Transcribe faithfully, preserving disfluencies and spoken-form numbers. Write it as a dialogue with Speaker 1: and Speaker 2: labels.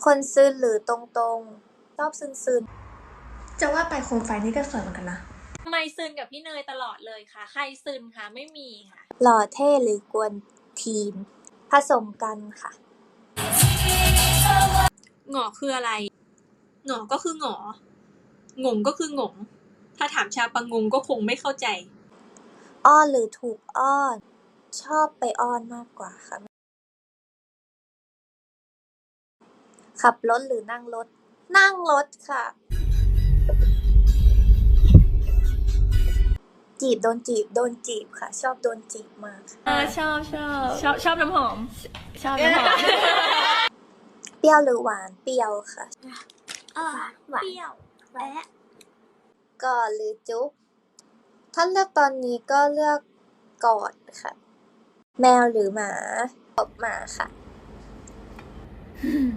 Speaker 1: คนซึนหรือตรงๆชอบซึนๆ
Speaker 2: จะว่าไปโคมไฟนี่ก็สวยเหมือนกันนะ
Speaker 3: ทำไมซึนกับพี่เนยตลอดเลยคะใครซึนคะไม่มีค่ะ
Speaker 1: หล่อเท่หรือกวนทีนผสมกันค่ะ
Speaker 3: หงอคืออะไรหงอก็คือหงองงก็คือหงงถ้าถามชาวปะงงก็คงไม่เข้าใจ
Speaker 1: อ้อนหรือถูกอ้อนชอบไปอ้อนมากกว่าค่ะขับรถหรือนั่งรถนั่งรถค่ะจีบโดนจีบโดนจีบค่ะชอบโดนจีบมาก
Speaker 2: เออชอบชอบ
Speaker 3: ชอบชอบน้ำหอม
Speaker 2: ชอบน้ำหอม
Speaker 1: เปรี้ยวหรือหวานเปรี้ยวค่ะ
Speaker 3: หวานเปรี้ยวแอะ
Speaker 1: กอดหรือจุ๊บถ้าเลือกตอนนี้ก็เลือกกอดค่ะแมวหรือหมาตบหมาค่ะ